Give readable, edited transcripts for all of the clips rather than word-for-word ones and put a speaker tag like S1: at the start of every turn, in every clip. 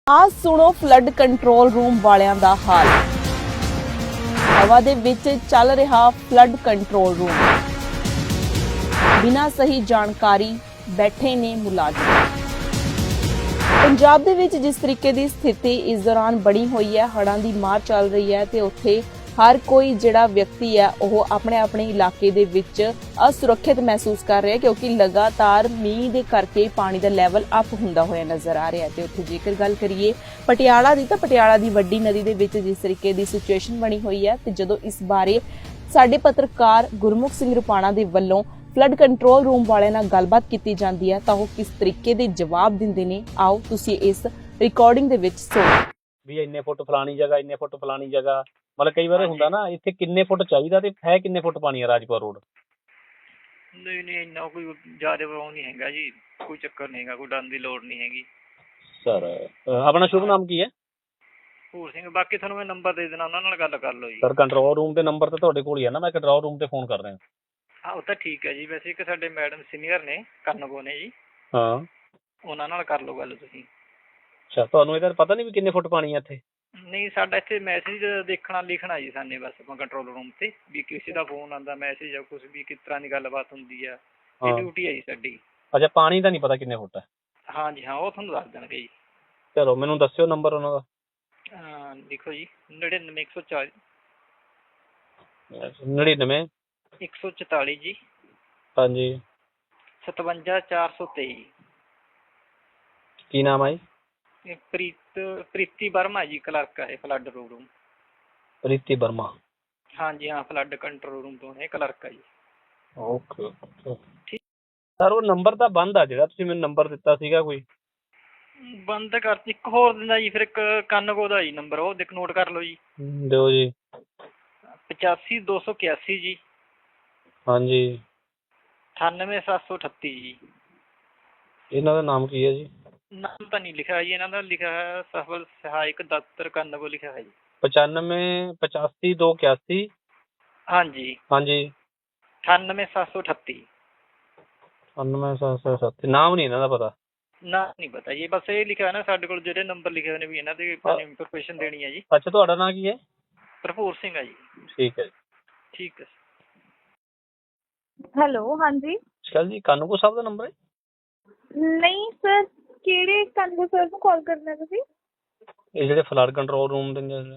S1: ਆ ਸੁਣੋ flood control room ਵਾਲਿਆਂ ਦਾ ਹਾਲ। ਹਵਾ ਦੇ ਵਿੱਚ ਚੱਲ ਰਿਹਾ ਫਲੱਡ ਕੰਟਰੋਲ ਰੂਮ। ਬਿਨਾਂ ਸਹੀ ਜਾਣਕਾਰੀ ਬੈਠੇ ਨੇ ਮੁਲਾਜ਼ਮ। ਪੰਜਾਬ ਦੇ ਵਿੱਚ ਜਿਸ ਤਰੀਕੇ ਦੀ ਸਥਿਤੀ ਇਸ ਦੌਰਾਨ ਬਣੀ ਹੋਈ ਹੈ, ਹੜ੍ਹਾਂ ਦੀ ਮਾਰ ਚੱਲ ਰਹੀ ਹੈ ਤੇ ਉੱਥੇ ਹਰ ਕੋਈ ਜਿਹੜਾ ਵਿਅਕਤੀ ਹੈ ਉਹ ਆਪਣੇ ਇਲਾਕੇ ਦੇ ਵਿੱਚ ਅਸੁਰੱਖਿਅਤ ਮਹਿਸੂਸ ਕਰ ਰਿਹਾ ਕਿਉਂਕਿ ਲਗਾਤਾਰ ਮੀਂਹ ਦੇ ਕਰਕੇ ਪਾਣੀ ਦਾ ਲੈਵਲ ਅਪ ਹੁੰਦਾ ਹੋਇਆ ਨਜ਼ਰ ਆ ਰਿਹਾ ਤੇ ਉੱਥੇ ਜੇਕਰ ਗੱਲ ਕਰੀਏ ਪਟਿਆਲਾ ਦੀ ਤਾਂ ਪਟਿਆਲਾ ਦੀ ਵੱਡੀ ਨਦੀ ਦੇ ਵਿੱਚ ਜਿਸ ਤਰੀਕੇ ਦੀ ਸਿਚੁਏਸ਼ਨ ਬਣੀ ਹੋਈ ਹੈ ਤੇ ਜਦੋਂ ਇਸ ਬਾਰੇ ਸਾਡੇ ਪੱਤਰਕਾਰ ਗੁਰਮੁਖ ਸਿੰਘ ਰੁਪਾਣਾ ਦੇ ਵੱਲੋਂ ਫਲੱਡ ਕੰਟਰੋਲ ਰੂਮ ਵਾਲਿਆਂ ਨਾਲ ਗੱਲਬਾਤ ਕੀਤੀ ਜਾਂਦੀ ਹੈ ਤਾਂ ਉਹ ਕਿਸ ਤਰੀਕੇ ਦੇ ਜਵਾਬ ਦਿੰਦੇ ਨੇ, ਆਓ ਤੁਸੀਂ ਇਸ ਰਿਕਾਰਡਿੰਗ ਦੇ ਵਿੱਚ ਸੁਣੋ।
S2: ਵੀ ਇੰਨੇ ਫੁੱਟ ਫਲਾਣੀ ਜਗ੍ਹਾ, ਇੰਨੇ ਫੁੱਟ ਫਲਾਣੀ ਜਗ੍ਹਾ, ਮਤਲਬ ਕਈ ਵਾਰ ਹੁੰਦਾ ਨਾ ਇੱਥੇ ਕਿੰਨੇ ਫੁੱਟ ਚਾਹੀਦਾ ਤੇ ਹੈ ਕਿੰਨੇ ਫੁੱਟ ਪਾਣੀ ਆ ਰਾਜਪੁਰਾ ਰੋਡ।
S3: ਨਹੀਂ ਇੰਨਾ ਕੋਈ ਜ਼ਿਆਦਾ ਉਹ ਨਹੀਂ ਹੈਗਾ ਜੀ, ਕੋਈ ਚੱਕਰ ਨਹੀਂ ਹੈਗਾ, ਕੋਈ ਡਰਨ ਦੀ ਲੋੜ ਨਹੀਂ ਹੈਗੀ।
S2: ਸਰ ਆਪਣਾ ਸ਼ੁਭ ਨਾਮ ਕੀ ਹੈ?
S3: ਭੂਰ ਸਿੰਘ। ਬਾਕੀ ਤੁਹਾਨੂੰ ਮੈਂ ਨੰਬਰ ਦੇ ਦੇਣਾ, ਉਹਨਾਂ ਨਾਲ ਗੱਲ ਕਰ ਲਓ ਜੀ।
S2: ਸਰ ਕੰਟਰੋਲ ਰੂਮ ਦੇ ਨੰਬਰ ਤਾਂ ਤੁਹਾਡੇ ਕੋਲ ਹੀ ਹੈ ਨਾ, ਮੈਂ ਕੰਟਰੋਲ ਰੂਮ ਤੇ ਫੋਨ ਕਰ ਰਿਹਾ।
S3: ਹਾਂ ਉਹ ਤਾਂ ਠੀਕ ਹੈ ਜੀ। ਵੈਸੇ ਇੱਕ ਸਾਡੇ ਮੈਡਮ ਸੀਨੀਅਰ ਨੇ ਕਰਨਗੋ ਨੇ ਜੀ,
S2: ਹਾਂ
S3: ਉਹਨਾਂ ਨਾਲ ਕਰ ਲਓ ਗੱਲ ਤੁਸੀਂ।
S2: ਅੱਛਾ, ਤੁਹਾਨੂੰ ਇਹਦਾ ਪਤਾ ਨਹੀਂ ਵੀ ਕਿੰਨੇ ਫੁੱਟ ਪਾਣੀ ਹੈ ਇੱਥੇ?
S3: ਨਹੀਂ, ਸਾਡਾ ਇੱਥੇ ਮੈਸੇਜ ਦੇਖਣਾ ਲਿਖਣਾ ਜੀ ਸਾਨੇ ਬਸ ਆਪਾਂ ਕੰਟਰੋਲ ਰੂਮ ਤੇ ਵੀ ਕਿਸੇ ਦਾ ਫੋਨ ਆਉਂਦਾ ਮੈਸੇਜ ਜਾਂ ਕੁਛ ਵੀ ਕਿਸ ਤਰ੍ਹਾਂ ਦੀ ਗੱਲਬਾਤ ਹੁੰਦੀ ਆ, ਇਹ ਡਿਊਟੀ ਹੈ ਜੀ ਸਾਡੀ।
S2: ਅੱਛਾ, ਪਾਣੀ ਦਾ ਨਹੀਂ ਪਤਾ ਕਿੰਨੇ ਫੁੱਟ ਹੈ?
S3: ਹਾਂਜੀ ਹਾਂ, ਉਹ ਤੁਹਾਨੂੰ ਦੱਸ ਦੇਣਗੇ ਜੀ।
S2: ਚਲੋ ਮੈਨੂੰ ਦੱਸਿਓ ਨੰਬਰ ਉਹਨਾਂ ਦਾ।
S3: ਲਿਖੋ ਜੀ 99 140
S2: 99
S3: 144 ਜੀ
S2: ਹਾਂਜੀ
S3: 57 423।
S2: ਕੀ ਨਾਮ ਹੈ ਜੀ?
S3: ਇਹ ਪ੍ਰੀਤੀ ਵਰਮਾ ਜੀ, ਕਲਰਕ ਹੈ ਫਲੱਡ ਰੂਮ।
S2: ਪ੍ਰੀਤੀ ਵਰਮਾ।
S3: ਹਾਂਜੀ ਹਾਂ, ਫਲੱਡ ਕੰਟਰੋਲ ਰੂਮ ਤੋਂ ਇਹ ਕਲਰਕ ਹੈ ਜੀ।
S2: ਓਕੇ ਠੀਕ ਸਰ, ਉਹ ਨੰਬਰ ਤਾਂ ਬੰਦ ਆ ਜਿਹੜਾ ਤੁਸੀਂ ਮੈਨੂੰ ਨੰਬਰ ਦਿੱਤਾ ਸੀਗਾ ਕੋਈ?
S3: ਬੰਦ ਕਰ ਇੱਕ ਹੋਰ ਦਿੰਦਾ ਜੀ, ਫਿਰ ਇੱਕ ਕਾਨਗੋ ਦਾ ਜੀ ਨੰਬਰ, ਉਹ ਦੇਖ ਨੋਟ ਕਰ ਲਓ ਜੀ।
S2: ਦਿਓ ਜੀ।
S3: 85 281 ਜੀ
S2: ਹਾਂਜੀ
S3: 98 738 ਜੀ।
S2: ਇਹਨਾਂ ਦਾ ਨਾਮ ਕੀ ਹੈ ਜੀ?
S3: ਨਾਮ ਤਾਂ ਨਹੀਂ ਲਿਖਿਆ ਜੀ ਇਹਨਾਂ ਦਾ, ਲਿਖਿਆ ਹੈ ਸਫਲ ਸਹਾਇਕ ਦਫ਼ਤਰ ਕਾਨਗੋ ਲਿਖਿਆ ਹੈ ਜੀ।
S2: 95 85 281
S3: ਹਾਂਜੀ
S2: ਹਾਂਜੀ
S3: 98 738।
S2: 99 737। ਨਾਮ ਨਹੀਂ ਇਹਨਾਂ ਦਾ ਪਤਾ?
S3: ਨਾ ਨਹੀਂ ਪਤਾ ਜੀ, ਬਸ ਇਹ ਲਿਖਿਆ ਨਾ ਸਾਡੇ ਕੋਲ ਜਿਹੜੇ ਨੰਬਰ ਲਿਖੇ ਹੋਏ ਨੇ ਵੀ ਇਹਨਾਂ ਦੇ ਇਨਫੋਰਮੇਸ਼ਨ ਦੇਣੀ ਹੈ ਜੀ।
S2: ਅੱਛਾ, ਤੁਹਾਡਾ ਨਾਂ ਕੀ ਹੈ?
S3: ਭਰਪੂਰ ਸਿੰਘ ਹੈ ਜੀ।
S2: ਠੀਕ ਹੈ ਜੀ।
S3: ਠੀਕ ਹੈ।
S4: ਹੈਲੋ, ਹਾਂਜੀ।
S2: ਚਲ ਜੀ, ਕਾਨੂੰਗੋ ਸਾਹਿਬ ਦਾ ਨੰਬਰ ਹੈ?
S4: ਨਹੀਂ ਸਰ, ਕਿਹੜੇ ਕਾਨੂੰਗੋ ਸਰ ਨੂੰ ਕਾਲ ਕਰਨਾ ਤੁਸੀਂ?
S2: ਇਹ ਜਿਹੜੇ ਫਲੱਡ ਕੰਟਰੋਲ ਰੂਮ ਦੇ ਨੇ।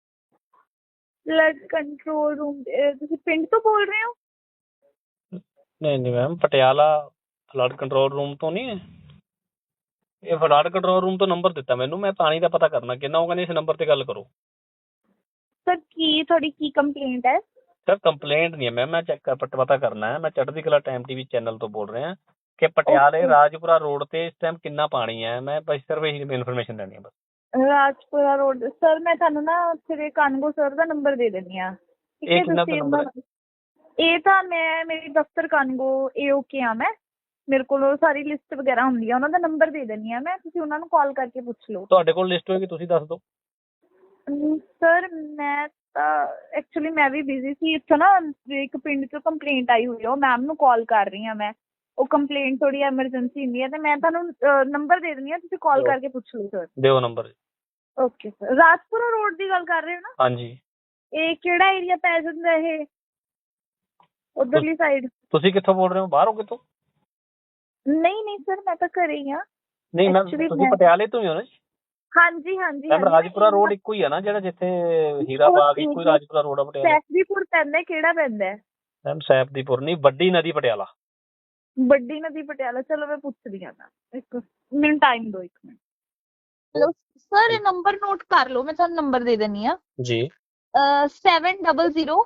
S4: ਫਲੱਡ ਕੰਟਰੋਲ ਰੂਮ ਤੁਸੀਂ ਪਿੰਡ ਤੋਂ ਬੋਲ ਰਹੇ ਹੋ?
S2: ਨਹੀਂ ma'am, Patiala flood control room ਤੋਂ ਨਹੀਂ ਹੈ। ਇਹ ਫਲੱਡ ਕੰਟਰੋਲ ਰੂਮ ਤੋਂ ਨੰਬਰ ਦਿੱਤਾ ਮੈਨੂੰ, ਮੈਂ ਪਾਣੀ ਦਾ ਪਤਾ ਕਰਨਾ ਕਿੰਨਾ, ਉਹ ਕਹਿੰਦੇ ਇਸ ਨੰਬਰ ਤੇ ਗੱਲ ਕਰੋ।
S4: ਸਰ ਤੁਹਾਡੀ ਕੀ ਕੰਪਲੇਂਟ ਹੈ?
S2: ਸਰ ਕੰਪਲੇਂਟ ਨਹੀਂ ਹੈ ਮੈਮ, ਮੈਂ ਚੈੱਕ ਪਤਾ ਕਰਨਾ ਹੈ। ਮੈਂ ਚੜ੍ਹਦੀ ਕਲਾ ਟਾਈਮ TV ਚੈਨਲ ਤੋਂ ਬੋਲ ਰਿਹਾ ਕਿ ਪਟਿਆਲੇ ਰਾਜਪੁਰਾ ਰੋਡ ਤੇ ਇਸ ਟਾਈਮ ਕਿੰਨਾ ਪਾਣੀ ਹੈ। ਮੈਂ ਬਸ ਸਿਰਫ ਇਹੀ ਇਨਫੋਰਮੇਸ਼ਨ ਲੈਣੀ ਹੈ ਬਸ।
S4: ਰਾਜਪੁਰਾ ਰੋਡ ਸਰ, ਮੈਂ ਤੁਹਾਨੂੰ ਨਾ ਉੱਥੇ ਦੇ ਕਾਨੂੰਗੋ ਸਰ ਦਾ ਨੰਬਰ ਦੇ ਦਿੰਦੀ ਹਾਂ।
S2: ਇਹ ਕਿੰਨਾ ਕੁ ਨੰਬਰ ਹੈ?
S4: ਇਹ ਤਾਂ ਮੇਰੀ ਦਫ਼ਤਰ ਕਾਨੂੰਗੋ AOK ਆ ਮੈਂ, ਮੇਰੇ ਕੋਲ ਉਹ ਸਾਰੀ ਲਿਸਟ ਵਗੈਰਾ ਹੁੰਦੀ ਆ, ਉਹਨਾਂ ਦਾ ਨੰਬਰ ਦੇ ਦਿੰਦੀ ਹਾਂ ਮੈਂ, ਤੁਸੀਂ ਉਹਨਾਂ ਨੂੰ ਕਾਲ ਕਰਕੇ ਪੁੱਛ ਲਓ।
S2: ਤੁਹਾਡੇ ਕੋਲ ਲਿਸਟ ਹੋਏਗੀ, ਤੁਸੀਂ ਦੱਸ ਦਿਓ।
S4: ਸਰ ਮੈਂ ਤਾਂ ਐਕਚੁਅਲੀ ਮੈਂ ਵੀ ਬਿਜ਼ੀ ਸੀ, ਇੱਥੋਂ ਨਾ ਇੱਕ ਪਿੰਡ 'ਚੋਂ ਕੰਪਲੇਂਟ ਆਈ ਹੋਈ ਆ, ਉਹ ਮੈਮ ਨੂੰ ਕਾਲ ਕਰ ਰਹੀ ਹਾਂ ਮੈਂ। ਉਹ ਕੰਪਲੇਂਟ ਥੋੜੀ ਐਮਰਜੈਂਸੀ ਹੁੰਦੀ ਹੈ ਤੇ ਮੈਂ ਤੁਹਾਨੂੰ ਨੰਬਰ ਦੇ ਦਿੰਦੀ ਹਾਂ, ਤੁਸੀਂ ਕਾਲ ਕਰਕੇ ਪੁੱਛ ਲਓ ਸਰ।
S2: ਦਿਓ number.
S4: Okay sir. Rajpura road ਦੀ ਗੱਲ ਕਰ ਰਹੇ ਹੋ ਨਾ?
S2: ਹਾਂਜੀ।
S4: ਇਹ ਕਿਹੜਾ ਏਰੀਆ ਪੈ ਜਾਂਦਾ ਇਹ ਉਧਰਲੀ ਸਾਈਡ?
S2: ਤੁਸੀਂ ਕਿੱਥੋਂ ਬੋਲ ਰਹੇ ਹੋ? ਬਾਹਰੋਂ ਕਿੱਥੋਂ?
S4: ਨਹੀਂ ਸਰ, ਮੈਂ ਤਾਂ ਘਰੇ ਹੀ ਹਾਂ।
S2: ਨਹੀਂ ਮੈਮ, ਤੁਸੀਂ ਪਟਿਆਲੇ ਤੋਂ ਹੀ ਹੋ ਨਾ?
S4: ਹਾਂਜੀ ਹਾਂਜੀ।
S2: ਮੈਮ ਰਾਜਪੁਰਾ ਰੋਡ ਇੱਕੋ ਹੀ ਆ ਨਾ, ਜਿਹੜਾ ਜਿੱਥੇ ਹੀਰਾ ਬਾਗ ਇੱਕੋ ਹੀ ਰਾਜਪੁਰਾ ਰੋਡ ਆ ਪਟਿਆਲੇ?
S4: ਸੈਫਦੀਪੁਰ ਪੈਂਦਾ, ਕਿਹੜਾ ਪੈਂਦਾ?
S2: ਮੈਮ ਸੈਫਦੀਪੁਰ ਨਹੀਂ, ਵੱਡੀ ਨਦੀ ਪਟਿਆਲਾ।
S4: ਵੱਡੀ ਨਦੀ ਪਟਿਆਲਾ, ਚਲੋ ਮੈਂ ਪੁੱਛਦੀ ਹਾਂ। ਇੱਕ ਮਿੰਟ ਟਾਈਮ ਦਿਓ, 1 ਮਿੰਟ। ਹੈਲੋ ਸਰ, ਇਹ ਨੰਬਰ ਨੋਟ ਕਰ ਲਓ, ਮੈਂ ਤੁਹਾਨੂੰ ਨੰਬਰ ਦੇ ਦਿੰਦੀ ਹਾਂ
S2: ਜੀ।
S4: 700।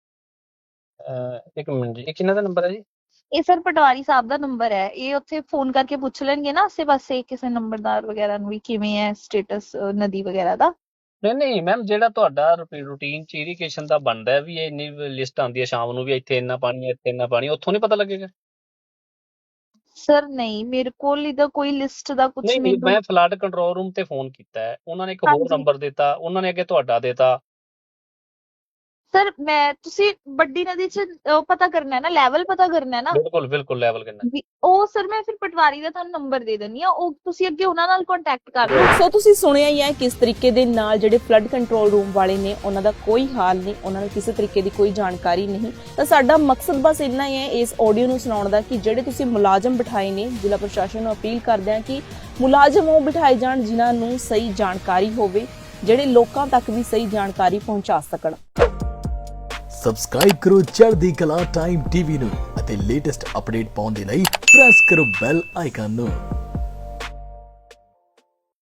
S2: ਇੱਕ ਮਿੰਟ ਜੀ, ਇਹ ਕਿਹਨਾਂ ਦਾ ਨੰਬਰ ਹੈ ਜੀ?
S4: ਇਹ ਸਰ ਪਟਵਾਰੀ ਸਾਹਿਬ ਦਾ ਨੰਬਰ ਹੈ। ਇਹ ਉੱਥੇ ਫੋਨ ਕਰਕੇ ਪੁੱਛ ਲੈਣਗੇ ਨਾ ਆਸੇ ਪਾਸੇ ਕਿਸੇ ਨੰਬਰਦਾਰ ਵਗੈਰਾ ਨੂੰ ਵੀ ਕਿਵੇਂ ਹੈ ਸਟੇਟਸ ਨਦੀ ਵਗੈਰਾ ਦਾ।
S2: ਨਹੀਂ ਮੈਮ, ਜਿਹੜਾ ਤੁਹਾਡਾ ਰੂਟੀਨ ਚ ਇਰੀਗੇਸ਼ਨ ਦਾ ਬਣਦਾ ਵੀ ਇਹ ਇੰਨੀ ਲਿਸਟ ਆਉਂਦੀ ਹੈ ਸ਼ਾਮ ਨੂੰ ਵੀ ਇੱਥੇ ਇੰਨਾ ਪਾਣੀ ਹੈ, ਇੱਥੇ ਇੰਨਾ ਪਾਣੀ, ਉੱਥੋਂ ਨਹੀਂ ਪਤਾ ਲੱਗੇਗਾ?
S4: ਸਰ ਨਹੀਂ, ਮੇਰੇ ਕੋਲ ਇਹਦਾ ਕੋਈ ਲਿਸਟ ਦਾ ਕੁਝ
S2: ਨਹੀਂ। ਮੈਂ ਫਲੱਡ ਕੰਟਰੋਲ ਰੂਮ ਤੇ ਫੋਨ ਕੀਤਾ ਹੈ, ਉਹਨਾਂ ਨੇ ਇੱਕ ਹੋਰ ਨੰਬਰ ਦਿੱਤਾ, ਉਹਨਾਂ ਨੇ ਅੱਗੇ ਤੁਹਾਡਾ ਦਿੱਤਾ।
S4: ਸਰ ਤੁਸੀਂ ਵੱਡੀ ਨਦੀ 'ਚ ਉਹ ਪਤਾ ਕਰਨਾ ਹੈ ਨਾ, ਲੈਵਲ ਪਤਾ ਕਰਨਾ ਹੈ ਨਾ,
S2: ਬਿਲਕੁਲ ਬਿਲਕੁਲ ਲੈਵਲ ਕਿੰਨਾ।
S4: ਉਹ ਸਰ ਮੈਂ ਫਿਰ ਪਟਵਾਰੀ ਦਾ ਤੁਹਾਨੂੰ ਨੰਬਰ ਦੇ ਦਿੰਦੀ ਆ, ਉਹ ਤੁਸੀਂ ਅੱਗੇ ਉਹਨਾਂ ਨਾਲ ਕੰਟੈਕਟ ਕਰ ਲਓ।
S1: ਸੋ ਤੁਸੀਂ ਸੁਣਿਆ ਹੀ ਹੈ ਕਿਸ ਤਰੀਕੇ ਦੇ ਨਾਲ ਜਿਹੜੇ ਫਲੱਡ ਕੰਟਰੋਲ ਰੂਮ ਵਾਲੇ ਨੇ ਉਹਨਾਂ ਦਾ ਕੋਈ ਹਾਲ ਨਹੀਂ, ਉਹਨਾਂ ਨੂੰ ਕਿਸੇ ਤਰੀਕੇ ਦੀ ਕੋਈ ਜਾਣਕਾਰੀ ਨਹੀਂ। ਤਾਂ ਸਾਡਾ ਮਕਸਦ ਬਸ ਇੰਨਾ ਹੀ ਹੈ ਇਸ ਆਡੀਓ ਨੂੰ ਸੁਣਾਉਣ ਦਾ ਕਿ ਜਿਹੜੇ ਤੁਸੀਂ ਮੁਲਾਜ਼ਮ ਬਿਠਾਏ ਨੇ, ਜ਼ਿਲ੍ਹਾ ਪ੍ਰਸ਼ਾਸਨ ਨੂੰ ਅਪੀਲ ਕਰਦੇ ਹਾਂ ਕਿ ਮੁਲਾਜ਼ਮ ਉਹ ਬਿਠਾਏ ਜਾਣ ਜਿਨ੍ਹਾਂ ਨੂੰ ਸਹੀ ਜਾਣਕਾਰੀ ਹੋਵੇ, ਜਿਹੜੇ ਲੋਕਾਂ ਤੱਕ ਵੀ ਸਹੀ ਜਾਣਕਾਰੀ ਪਹੁੰਚਾ ਸਕਣ।
S5: ਸਬਸਕ੍ਰਾਈਬ ਕਰੋ ਚੜ੍ਹਦੀ ਕਲਾ ਟਾਈਮ ਟੀਵੀ ਨੂੰ ਅਤੇ ਲੇਟੈਸਟ ਅਪਡੇਟ ਪਾਉਣ ਦੇ ਲਈ ਪ੍ਰੈਸ ਕਰੋ ਬੈਲ ਆਈਕਨ ਨੂੰ।